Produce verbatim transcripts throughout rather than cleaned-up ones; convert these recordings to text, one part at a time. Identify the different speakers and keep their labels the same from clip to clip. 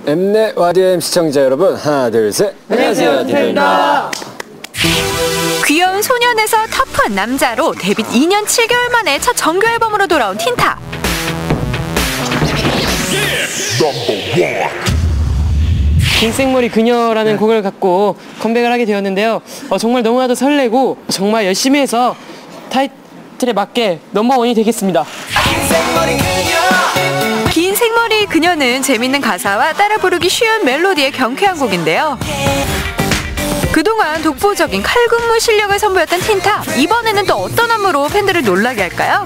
Speaker 1: 엠넷 와디엠 시청자 여러분, 하나 둘 셋. 안녕하세요, 딘도입니다.
Speaker 2: 귀여운 소년에서 터프한 남자로 데뷔 이 년 칠 개월 만에 첫 정규 앨범으로 돌아온 틴탑.
Speaker 3: 긴 생머리 그녀라는 곡을 갖고 컴백을 하게 되었는데요. 어, 정말 너무나도 설레고 정말 열심히 해서 타이틀에 맞게 넘버원이 되겠습니다.
Speaker 2: 긴 생머리 그녀는 재밌는 가사와 따라 부르기 쉬운 멜로디의 경쾌한 곡인데요. 그동안 독보적인 칼군무 실력을 선보였던 틴탑, 이번에는 또 어떤 안무로 팬들을 놀라게 할까요?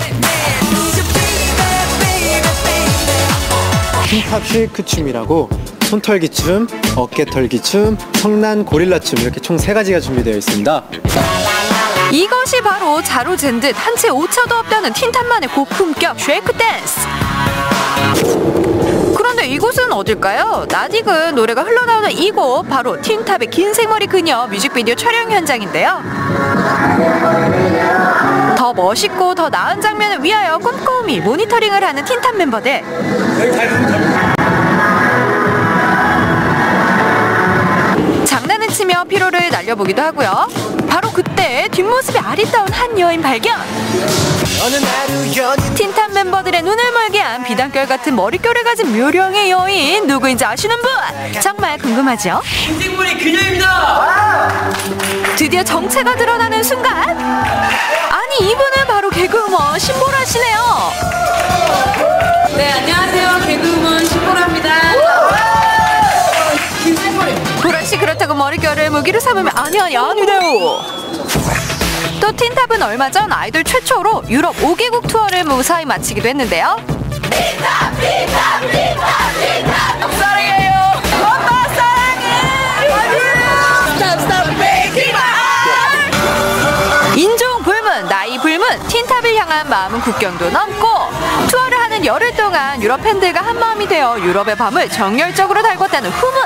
Speaker 4: 틴탑 쉐이크 춤이라고 손털기 춤, 어깨 털기 춤, 성난 고릴라 춤 이렇게 총 세 가지가 준비되어 있습니다.
Speaker 2: 이것이 바로 자로 잰 듯 한 채 오차도 없다는 틴탑만의 고품격 쉐이크 댄스. 그런데 이곳은 어딜까요? 낯익은 노래가 흘러나오는 이곳, 바로 틴탑의 긴 생머리 그녀 뮤직비디오 촬영 현장인데요. 더 멋있고 더 나은 장면을 위하여 꼼꼼히 모니터링을 하는 틴탑 멤버들. 장난을 치며 피로를 날려보기도 하고요. 바로 그때 뒷모습이 아리따운 한 여인 발견. 틴탑 멤버들의 눈을 멀게 한 비단결 같은 머릿결을 가진 묘령의 여인, 누구인지 아시는 분? 정말 궁금하죠?
Speaker 3: 긴 생머리 그녀입니다.
Speaker 2: 드디어 정체가 드러나는 순간, 아니 이분은 바로 개그우먼 신보라시네요.
Speaker 5: 네, 안녕하세요. 개그우먼 신보라입니다.
Speaker 2: 보라씨, 그렇다고 머릿결을 무기로 삼으면 아니 아니 아니래요. 또 틴탑은 얼마 전 아이돌 최초로 유럽 오 개국 투어를 무사히 마치기도 했는데요. 틴탑 틴탑 틴탑 틴탑 사랑해요. 엄마 사랑해. 스탑 스탑 메이킹 말. 인종 불문, 나이 불문, 틴탑을 향한 마음은 국경도 넘고 투어를 하는 열흘 동안 유럽 팬들과 한마음이 되어 유럽의 밤을 정열적으로 달궜다는 후문.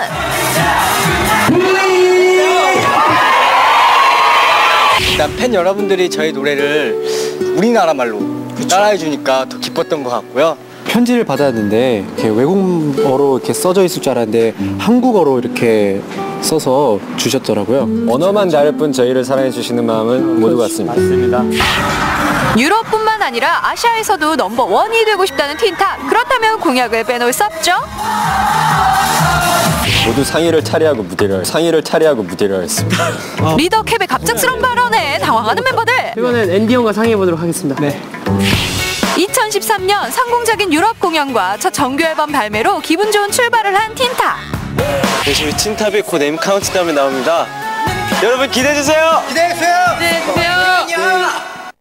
Speaker 6: 일단 팬 여러분들이 저희 노래를 우리나라 말로 따라해 주니까 더 기뻤던 것 같고요.
Speaker 4: 편지를 받았는데 이렇게 외국어로 이렇게 써져 있을 줄 알았는데 한국어로 이렇게 써서 주셨더라고요.
Speaker 1: 언어만 다를 뿐 저희를 사랑해 주시는 마음은 모두 같습니다.
Speaker 6: 맞습니다.
Speaker 2: 유럽뿐만 아니라 아시아에서도 넘버원이 되고 싶다는 틴탑. 그렇다면 공약을 빼놓을 수 없죠?
Speaker 1: 모두 상의를 차례하고 무대를 상의를 차례하고 무대를 했습니다.
Speaker 2: 리더 캡의 갑작스러운 발언에 당황하는 멤버들.
Speaker 3: 이거는 앤디 형과 상의해보도록 하겠습니다. 네.
Speaker 2: 이천십삼 년 성공적인 유럽 공연과 첫 정규 앨범 발매로 기분 좋은 출발을 한 틴탑.
Speaker 6: 열심히 틴탑이 곧 M 카운트다운에 나옵니다. 여러분 기대해 주세요. 기대해 주세요.
Speaker 5: 네, 주세요.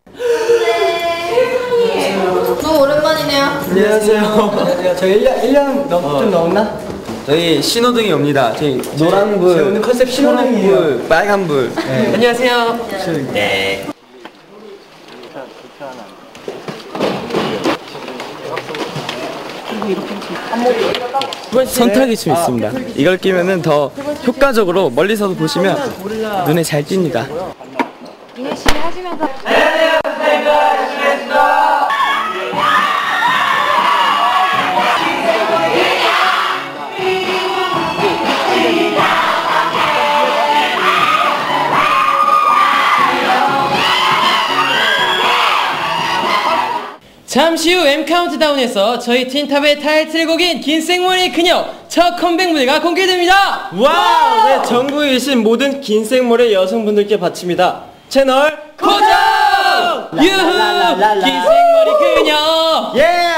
Speaker 5: 너무 오랜만이네요.
Speaker 6: 안녕하세요. 저희 일 년 일 년 넘, 좀 넘나? 저희 신호등이 옵니다. 저희 노란불, 오늘 컨셉 신호등이에요. 빨간불. 네.
Speaker 3: 안녕하세요.
Speaker 6: 네.
Speaker 7: 손털기 춤 있습니다. 이걸 끼면은 더 효과적으로 멀리서도 보시면 눈에 잘 띕니다.
Speaker 2: 열심히 하시면서.
Speaker 3: 잠시 후 M 카운트다운에서 저희 틴탑의 타이틀곡인 긴 생머리 그녀 첫 컴백 무대가 공개됩니다.
Speaker 7: 와우! 네, 전국에 계신 모든 긴 생머리 여성분들께 바칩니다. 채널 고정!
Speaker 3: 유후! 긴 생머리 그녀!
Speaker 7: 예!